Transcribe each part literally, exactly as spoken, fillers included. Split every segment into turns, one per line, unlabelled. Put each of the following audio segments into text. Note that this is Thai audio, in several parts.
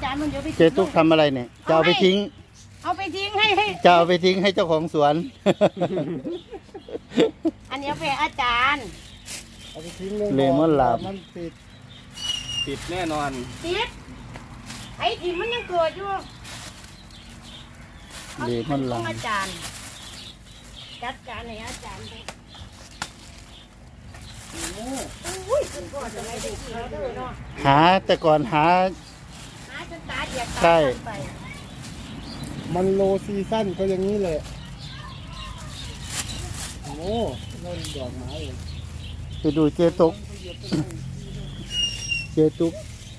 ารย์มันเดี๋ยวไป
เจตุ๊กทำอะไรเนี่ยจะเอาไปทิ้ง
เอาไปทิ้งให้ให้
จะเอาไปทิ้งให้เจ้าของสวน
อันนี้เอาไปอาจารย์
เอาไปทิ้งเลย
เลมอนลาบ
มันติด
ติดแน่นอน
ติดไอ้ถิ่นมันยังเกิดอยู่
เลมอนลาบ
อาจารย์จัดการให้อาจารย์ไปอุ้ยคุณพ่อจะไม่ได้กินแล้วด้วยเนาะ
หาแต่ก่อนหา
หาจนตาเดียดตา
ใช่
ไป
มันโลซีซั่นก็อย่างนี้เลยโอ้นั่นดอกไม้เลย
ไปดูเจตุกเจตุก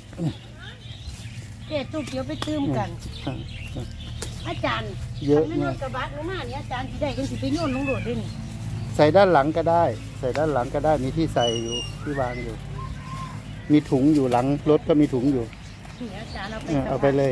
เจตุกเดี๋ยวไปตื้มกัน อาจารย์
เยอะ
ไม่น
มา
อก กระบะหรือมาเนี่ยอาจารย์ที่ได้กันสิไปโยนลงโดดด้วยนี่
ใส่ด้านหลังก็ได้ ใส่ด้านหลังก็ได้มีที่ใส่อยู่ที่วางอยู่มีถุงอยู่หลังรถก็มีถุงอยู่
นี่อาจารย์เอาไป
เอาไปเลย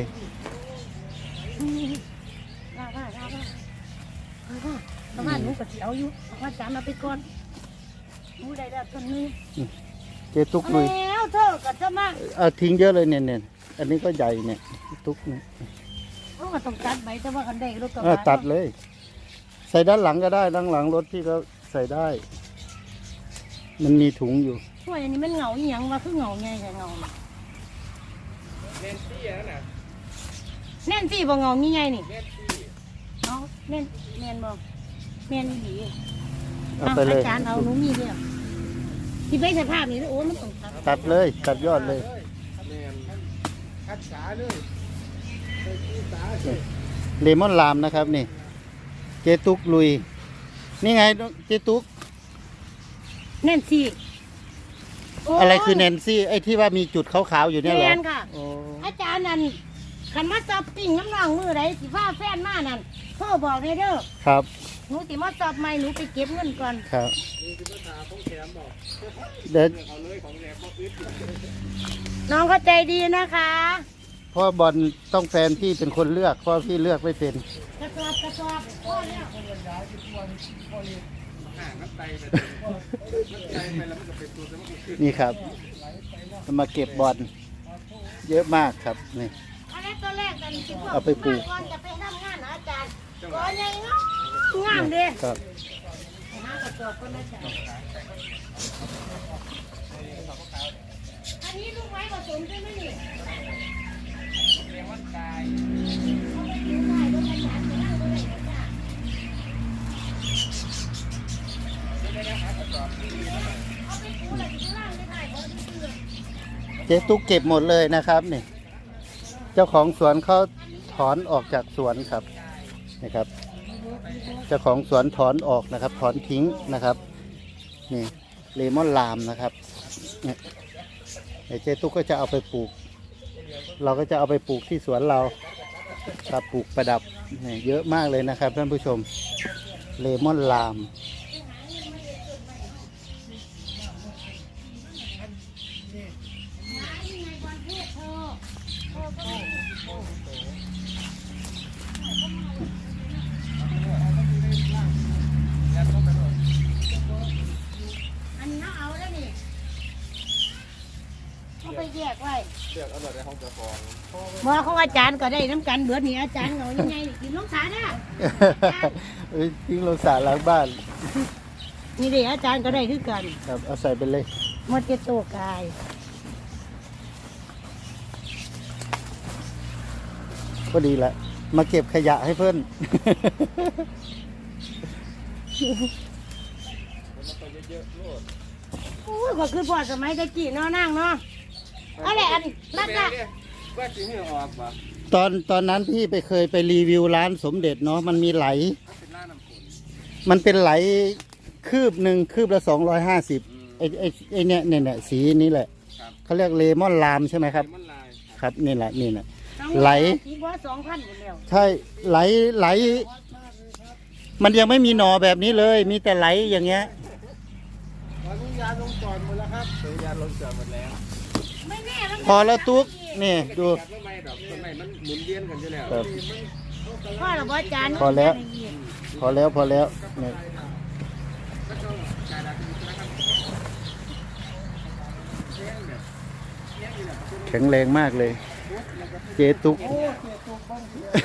ว่าว่าว่าว่าว่าประมาณหนูกับเสียวอยู่อาจารย์เอาไปก่อนหนูได้แล้วต้นนี้
เจตุกลุย
แล้วเธอก็จะมา
เอาทิ้งเยอะเลยเนี่ยเนี่ยอันนี้ก็ใหญ่เนี่ยตุกเนี่ย
เขาก็ต้องตัดใบแต่ว่ากันได้รถกระ
เออบ
ะ
ตัดเลย ใส่ด้านหลังก็ได้ด้านหลังรถที่ก็ใส่ได้ มันมีถุงอยู่
ช่วยอันนี้มันเหงาอีหยังว่าคือเหงาไงแต่เหงา
เน้นซี่แล้วนะ
แน่นสิบ่เหงามีไงนี่
เน้นซี่
เอาแน่นแน่นบ่แม่นอีหลี
เอาไปเลย
อาจารย์เอาหนูมีเดียวที่ใบสภาพนี่โอ้มันต้องตัด
ตัดเลย ตัดยอดเลย
เน้น
คัดสาเลยใส่ที่สาเลย
เลมอนลามนะครับนี่ เจตุกลุย นี่ไงเจตุก
แน่นสิโ
อะไรคือแนนซี่ไอ้ที่ว่ามีจุดขาวๆอยู่เนี่ยเหรอ
แม่นค่ะ
โอ้
อาจารย์นั่นขันมาสอบปิ้งน้ำน้องมือไรสิฟ้าแฟนมานั่นพ่อบอกเลยเด้อ
ครับ
หนูสิมาสอบใหม่หนูไปเก็บเงินก่อน
ครับ
นี่คือภาษาของแถมบอก
เดี๋ยว
เอาเลยของแถมบอกอึด
น้องเข้าใจดีนะคะ
เพ่อบอลต้องแฟนพี่เป็นคนเลือกเพราะพี่เลือกไม่เป็น
กระสอบกระสอบพ่อแล้ว
ห่างน้ำไตไปน้ำไตไปแล้วมันจะเป็นตัวจะมันขึ้น
นี่ครับมาเก็บบอลเยอะมากครับนี่
อันนี้ตัวแรกกันสิพวก
เอาไปปลูก
ก่อนจะไปทำงานนะอาจารย์ก่อนยังงามงามเด้
ครับ
ไปหากระสอบก่อนนะอาจารย์อันนี้ลูกไม้ผสมใช่ไหมนี่
เรียกว่าตาย
เอาไปดูได้รถอาจารย์จะนั่งด้วยนะจ๊ะ เอาไปดูเลยดูล่างไม่ได้เพราะดูเสือ
เจ๊ตุ๊กเก็บหมดเลยนะครับนี่เจ้าของสวนเขาถอนออกจากสวนครับนะครับ เจ้าของสวนถอนออกนะครับ ถอนทิ้งนะครับนี่เลมอนลามนะครับเนี่ยเดี๋ยวเจ๊ตุ๊กก็จะเอาไปปลูก เราก็จะเอาไปปลูกที่สวนเราครับปลูกประดับนี่เยอะมากเลยนะครับท่านผู้ชมเลมอนลาม
อันนี้เขาเอาแล้วนี่เขาไปแยกไว้
เลือกเอาแบบในห้องเจ้าของ
หมอของอาจารย์ก็ได้น้ำกันเบือนี่อาจารย์เอายังไงนี่กินน้องสาเนี่ย
เอ้ยทิ้งลงสระหล้างบ้าน
นี่ดิอาจารย์ก็ได้คือกัน
ครับเอาใส่ไปเลย
หมดเจโตกาย
ก็ดีละมาเก็บขยะให้เพื่อน
อู้ยก็คือพ่อสมัยตะกี้เนาะนั่งเนาะอะไรอันรัด
แม่
อะ
เนี่ยว่าจริงเหรอออกปะ
ตอนตอนนั้นพี่ไปเคยไปรีวิวร้านสมเด็จเนาะมันมีไหล
ถ้าเป็นล่าน้ำฝน
มันเป็นไหลคืบหนึ่งคืบละสองร้อยห้าสิบไอไอไอเนี่ยเนี่ยเนี่ยสีนี้แหละ
ครับ
เขาเรียกเลมอนลามใช่ไหมครับ
มันลาย
ครับนี่แหละนี่แหละ ไหล
สีบัวสองพันหมดแล้ว
ใช่ไหลไหล มันยังไม่มีหน่อแบบนี้เลย มีแต่ไหลอย่างเงี้ย
อนุญาตลงจอดหมดแล้วครับ
สัญญาณลงจอดหมดแล้ว
ไม่แน่มัน
พอแล้วตุ๊กนี่ดู
จับไม่ไม่ดอกต้นไม้มันหมุนเวียนกันอยู่แล้ว
ครับ
พ่อเราบอาจารย์
พอแล้ว พอแล้วพอแล้วเนี่ยแข็งแรงมากเลย
แล้วก็
เจตุก
โอ้เสียตัวบ้างเสีย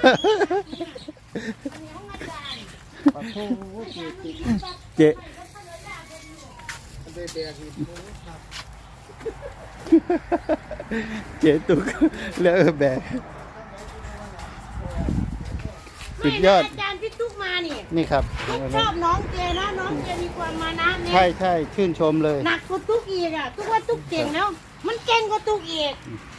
ปะโถ่เสียติด
เจ
มันได้แดกอีกมือครับ
เจตุกแล้วแบกสุดยอด
ไม่นะอาจารย์พี่ตุ๊กมานี่
นี่ครับ
ตุ๊กชอบน้องเจนะน้องเจมีความมานะเนี่ย
ใช่ใช่ชื่นชมเลย
หนักกว่าตุ๊กอีกอ่ะตุ๊กว่าตุ๊กเก่งแล้ว มันเก่งกว่าตุ๊กอีก